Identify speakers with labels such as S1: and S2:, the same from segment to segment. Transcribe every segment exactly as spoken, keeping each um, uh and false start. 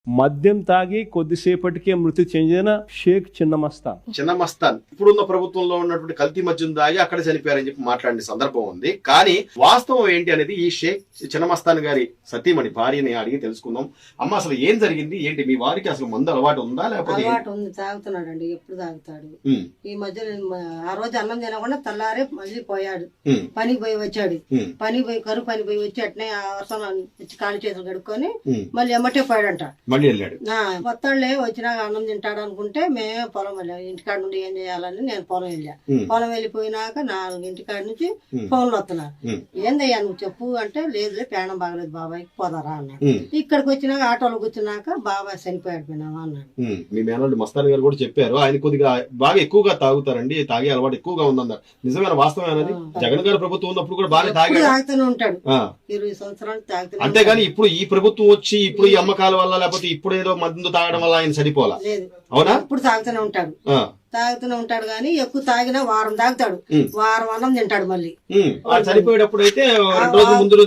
S1: మద్యం తాగి కొద్దిసేపటికే మృతి చెందిన షేక్ చిన్నమస్తాన్
S2: చిన్నమస్తాన్ ఇప్పుడున్న ప్రభుత్వంలో ఉన్నటువంటి కల్తీ మద్యం తాగి అక్కడ చనిపోయారని చెప్పి మాట్లాడిన సందర్భం ఉంది. కానీ వాస్తవం ఏంటి అనేది ఈ షేక్ చిన్నమస్తాన్ గారి సతీమణి భార్యని అడిగి తెలుసుకుందాం. అమ్మ, అసలు ఏం జరిగింది ఏంటి? మీ వారికి అసలు మందు అలవాటు ఉందా లేకపోతే?
S3: అలవాటు ఉంది, తాగుతున్నాడు అండి. ఎప్పుడు తాగుతాడు. ఈ మధ్య ఆ రోజు అన్నం తినకుండా తెల్లారే మళ్ళీ పోయాడు. పనికి పోయి వచ్చాడు. పని పోయి కరువు పని పోయి వచ్చి అట్నే అవసరం వచ్చి కాళ్ళు చేతులు కడుక్కొని మళ్ళీ ఎమ్మటే పోయాడంట.
S2: మళ్ళీ వెళ్ళాడు.
S3: కొత్తళ్ళే వచ్చినాక అన్నం తింటాడు అనుకుంటే మేమే పొలం వెళ్ళాం. ఇంటికాడ నుండి ఏం చేయాలని నేను పొలం వెళ్ళా. పొలం వెళ్ళిపోయినాక నాలుగు ఇంటికాడ నుంచి ఫోన్లు వస్తున్నారు. ఏందయ్యా నువ్వు చెప్పు అంటే, లేదులే ప్రాణం బాగలేదు బాబాయ్, పోదారా అన్నాడు. ఇక్కడికి వచ్చినాక ఆటోలో కూర్చున్నాక బాబాయ్ చనిపోయాడు పోయినావా అన్నాడు.
S2: మీ మేనల్లుడు మస్తాన్ గారు కూడా చెప్పారు, ఆయన కొద్దిగా బాగా ఎక్కువగా తాగుతారండి, తాగే అలవాటు ఎక్కువగా ఉందన్నారు. నిజమైన వాస్తవం అనేది? జగన్ గారి ప్రభుత్వం ఉన్నప్పుడు కూడా బాగా తాగి
S3: తాగుతూనే ఉంటాడు. ఇరవై సంవత్సరాలు తాగుతూ.
S2: అంతేగాని ఇప్పుడు ఈ ప్రభుత్వం వచ్చి ఇప్పుడు ఈ అమ్మకాల వల్ల లేకపోతే ఇప్పుడు ఏదో మందు తాగడం వల్ల ఆయన సరిపోలా? అవునా?
S3: ఇప్పుడు తాగుతూనే ఉంటాడు. తాగుతూనే ఉంటాడు కానీ ఎక్కువ తాగినా వారం తాగుతాడు. వారం అన్నం తింటాడు. మళ్ళీ
S2: చనిపోయేటప్పుడు అయితే రెండు రోజుల ముందు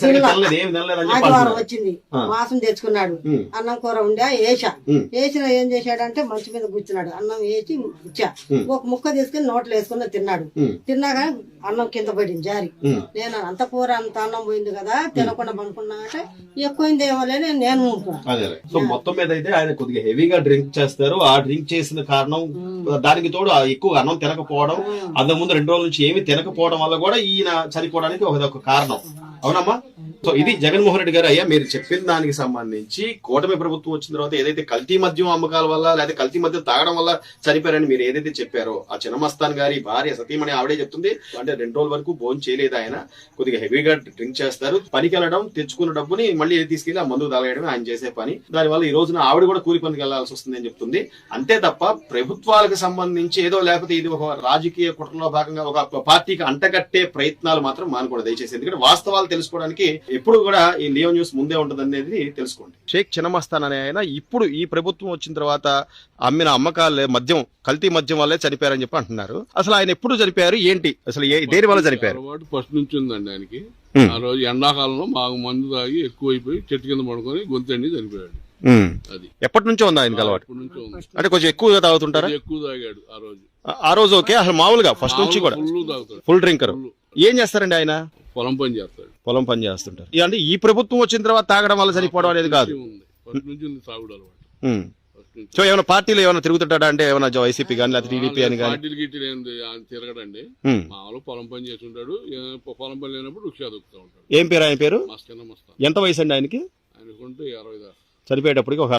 S3: ఆదివారం వచ్చింది, మాసం తెచ్చుకున్నాడు. అన్నం కూర ఉండే వేసా. వేసిన ఏం చేశాడంటే మంచి మీద కూర్చున్నాడు. అన్నం వేసి ఇచ్చా. ఒక ముక్క తీసుకుని నోట్లో వేసుకుని తిన్నాడు. తిన్నాక అన్నం కింద పడింది జారి. నేను అంత కూర అంత అన్నం పోయింది కదా, తినకుండా పనుకున్నా అంటే ఎక్కువైంది ఏమోలే నేను
S2: అదే. సో మొత్తం మీద అయితే ఆయన కొద్దిగా హెవీగా డ్రింక్ చేస్తారు. ఆ డ్రింక్ చేసిన కారణం, దానికి తోడు ఎక్కువ అన్నం తినకపోవడం, అంతకు ముందు రెండు రోజుల నుంచి ఏమి తినకపోవడం వల్ల కూడా ఈయన చనిపోవడానికి ఒక కారణం. అవునమ్మా? సో ఇది జగన్మోహన్ రెడ్డి గారు. అయ్యా, మీరు చెప్పిన దానికి సంబంధించి కూటమి ప్రభుత్వం వచ్చిన తర్వాత ఏదైతే కల్తీ మద్యం అమ్మకాల వల్ల లేదా కల్తీ మద్యం తాగడం వల్ల చనిపోయారని మీరు ఏదైతే చెప్పారో, ఆ చిన్నమస్తాన్ గారి భార్య సతీమణి ఆవిడే చెప్తుంది. అంటే రెండు రోజుల వరకు భోజనం చేయలేదు ఆయన, కొద్దిగా హెవీగా డ్రింక్ చేస్తారు. పనికి వెళ్ళడం, తెచ్చుకున్న డబ్బుని మళ్ళీ తీసుకెళ్లి ఆ మందు తాగడమే ఆయన చేసే పని. దానివల్ల ఈ రోజున ఆవిడ కూడా కూలి పనికి వెళ్లాల్సి వస్తుంది అని చెప్తుంది. అంతే తప్ప ప్రభుత్వాలకు సంబంధించి ఏదో లేకపోతే ఇది ఒక రాజకీయ కుట్రలో భాగంగా ఒక పార్టీకి అంటగట్టే ప్రయత్నాలు మాత్రం మానకూడదు దయచేసి. ఎందుకంటే వాస్తవాలు తెలుసుకోవడానికి ఎప్పుడు కూడా ఈ లియో న్యూస్ ముందే ఉంటుంది అనేది తెలుసుకోండి. షేక్ చిన్నమస్తాన్ అనే ఆయన ఇప్పుడు ఈ ప్రభుత్వం వచ్చిన తర్వాత అమ్మిన అమ్మకాలే మద్యం, కల్తీ మద్యం వల్లే చనిపోయారని చెప్పి అంటున్నారు. అసలు ఆయన ఎప్పుడు చనిపోయారు ఏంటి? అసలు దేని వల్ల చనిపోయారు?
S4: ఫస్ట్ నుంచి ఉందండి ఆయనకి. ఆ రోజు ఎండాకాలంలో బాగా మందు తాగి ఎక్కువైపోయి చెట్టు కింద పడుకొని గొంతండి చనిపోయాడు. అది
S2: ఎప్పటి నుంచో ఉంది ఆయనకి అలవాటు? అంటే కొంచెం ఎక్కువగా తాగుతుంటారా?
S4: ఎక్కువ తాగాడు ఆ రోజు.
S2: ఆ రోజు ఓకే. అసలు మామూలుగా ఫస్ట్ నుంచి కూడా
S4: ఫుల్ తాగుతాడు.
S2: Full drinker. ఏం చేస్తారండి ఆయన?
S4: పొలం పని చేస్తాడు.
S2: పొలం పని చేస్తుంటారు. అంటే ఈ ప్రభుత్వం వచ్చిన తర్వాత తాగడం వల్ల చనిపోవడం అనేది కాదు.
S4: ఫస్ట్ నుంచి ఉంది తాగుడు అలవాటు.
S2: సో ఏమైనా పార్టీలు ఏమైనా తిరుగుతుంటాడా అంటే? ఏమైనా వైసీపీ కానీ లేకపోతే టీడీపీ అని కానీ?
S4: పార్టీలు గిట్టీలు ఏంది తిరగడండి. మామూలు పొలం పని చేసి ఉంటాడు. పొలం పని లేనప్పుడు రిక్షా దొక్కుతూ ఉంటాడు.
S2: ఏం పేరు ఆయన పేరు?
S4: మస్తాన్.
S2: ఎంత వయసు అండి ఆయనకి?
S4: ఆయనకుంటే అరవై దాకా.
S2: చనిపోయేటప్పటికి ఒక